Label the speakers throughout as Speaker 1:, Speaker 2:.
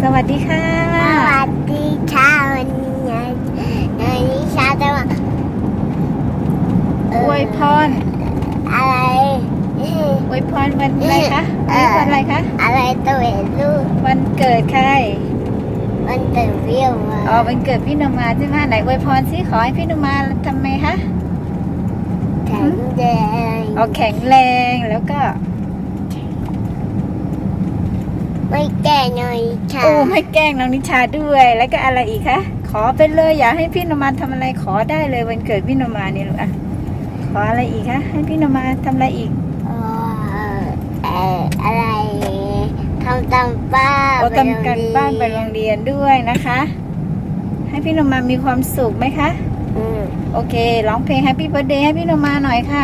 Speaker 1: วัสดีค่ะ
Speaker 2: สวัสดีค่ะวันนี้ชาจะมา
Speaker 1: อวยพร
Speaker 2: อะไร
Speaker 1: อวยพรวันอะไรคะวันอะไรคะ
Speaker 2: อะไรตัวเองลูก
Speaker 1: วันเกิดใคร
Speaker 2: วันเกิดพี่นมา
Speaker 1: อ๋อวันเกิดพี่นมาใช่ไหมไหนอวยพรสิขอให้พี่นมาทำไมคะ
Speaker 2: แข็งแรง
Speaker 1: เอาแข็งแรงแล้วก็
Speaker 2: ไม่แก่หน่อยค่ะ
Speaker 1: โอ้ไม่แกล้งน้องนิชาด้วยแล้วก็อะไรอีกคะขอไปเลยอยากให้พี่นมาทำอะไรขอได้เลยวันเกิดพี่นมาเนี่ยลูกอะขออะไรอีกคะให้พี่นมาทำอะไรอีก
Speaker 2: อะไรทำตามบ้าน
Speaker 1: ทำการบ้านไปโรงเรียนด้วยนะคะให้พี่นมามีความสุขไหมคะโอเคร้องเพลง Happy Birthday ให้พี่นมาหน่อยค่ะ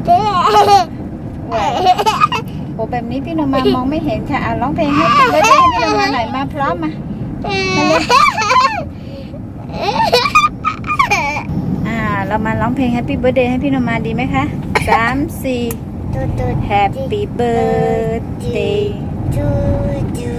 Speaker 1: โอ้แบบนี้พี่นมามองไม่เห็นค่ะร้องเพลงให้พี่นมาหน่อยมาพร้อมมาเรามาร้องเพลง Happy Birthday ให้พี่นมาดีไหมคะ3-4 Happy Birthday
Speaker 2: to you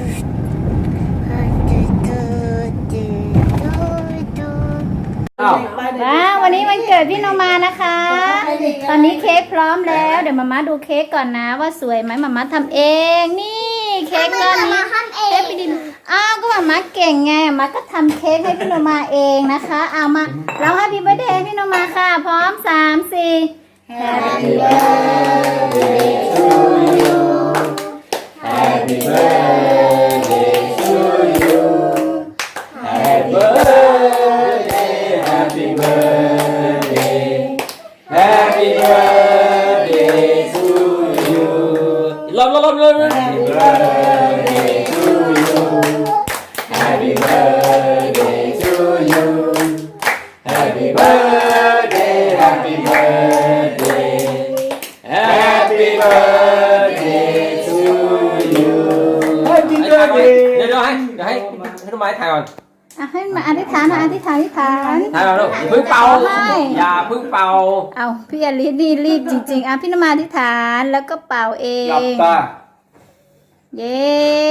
Speaker 1: ว้าววันนี้วันเกิดพี่นมานะคะตอนนี้เค้กพร้อมแล้วเดี๋ยวมาม่าดูเค้กก่อนนะว่าสวยไหมมาม่าทำเองนี่เค้กก้อนนี้เค้กพี่ดินก็มาม่าเก่งไงมาก็ทำเค้กให้พี่นมาเองนะคะเอามาเราให้พี่เบอร์เดย์พี่นมาค่ะพร้อม3-4 Happy birthday to you
Speaker 3: Happy birthday to you Happy birthday Happy birthday Happy birthday to you ลบ Happy birthday to you Happy birthday to you Happy birthday Happy birthday Happy birthday to you Happy birthday เดี๋ยวให้ต้นไม้ถ่ายก่อน
Speaker 1: ให้มาอธิษฐานถ่าย
Speaker 3: เราลูกพึ่งเป่าอย่าพึ่งเป่า
Speaker 1: เอาพี่อลิสนี่รีบจริงๆพี่นมาอธิษฐานแล้วก็เป่าเอง
Speaker 3: หลับตา
Speaker 1: เย้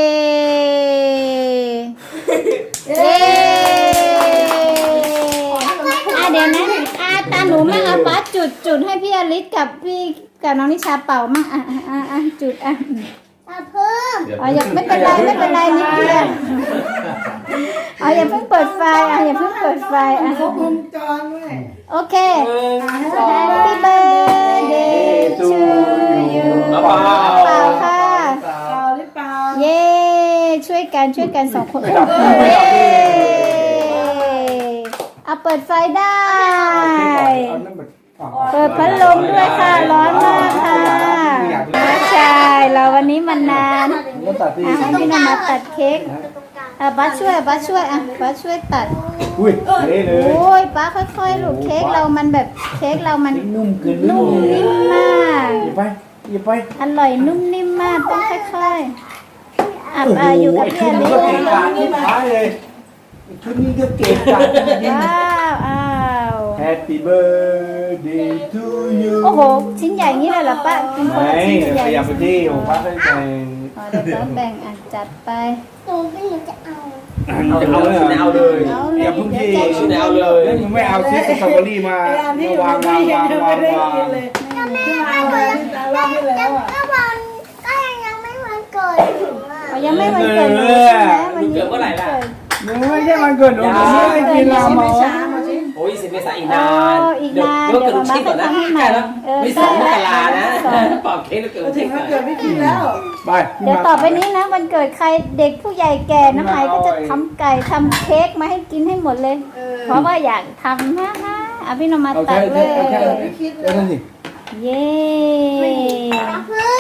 Speaker 1: เดี๋ยวนะตาหนูมั่งป้าจุดให้พี่อลิสกับน้องนิชาเป่ามั่งจุด
Speaker 2: เพิ่ม
Speaker 1: อย่าไม่เป็นไรนิดเดียวอย่าเพิ่งเปิดไฟอย่าเพิ่งเปิดไฟ
Speaker 2: มุมจอนด้วย
Speaker 1: โอเค Happy birthday to you เป่าค่ะเย้ช่วยกัน2 คนเย้เอาเปิดไฟได้เปิดพัดลมด้วยค่ะร้อนมากค่ะใช่เราวันนี้มันนานให้พี่นมาตัดเค้กบัสช่วยบัสช่วยตัด
Speaker 3: อุ้ยเลย
Speaker 1: โอ้ยป้าค่อยๆลูกเค้กเรามันแบบเค้กเรามัน
Speaker 3: นุ่ม
Speaker 1: นิ่มมาก
Speaker 3: หยิบไป
Speaker 1: อร่อยนุ่มนิ่มมากต้องค่อยๆอยู่กับพี่อลิส
Speaker 3: เลยชุดนี้ก็เก่งจัง
Speaker 1: ว้าว
Speaker 3: Happy birthday to you
Speaker 1: โอ้โหชิ้นใหญ่งี้เลยเหรอป้าเป็นคนชิ้นใหญ่
Speaker 3: อยากไปที่ของป้าเป็นแบ่ง
Speaker 1: เดี๋ยวแบ่งจัดไป
Speaker 2: ตูไม่รู้จะเอา
Speaker 3: เลยอย่าเพิ่งที่เอาเลยไม่เอาซื้อสตรอเบอรี่มาวาง
Speaker 2: ก็ยังไม่วันเกิด
Speaker 1: ยังไม่วันเกิด
Speaker 3: วันเกิดเมื่อไหร่ล่ะไม่ใช่วันเกิดหนูไม่กินลาหมอโอ้ย10 เมษายนอีกนานเดี๋ยวเกิดลูกชิ้นก่อนนะใกล้แล้วไม่2 มกรานะปอกเค้กแล้วเกิด
Speaker 2: ถึงวันเกิดไม่กินแล้ว
Speaker 3: ไป
Speaker 1: เดี๋ยวต่อไปนี้นะวันเกิดใครเด็กผู้ใหญ่แก่น้ำไหลก็จะทำไก่ทำเค้กมาให้กินให้หมดเลยเพราะว่าอยากทำนะพี่นมาตัดเลยเย้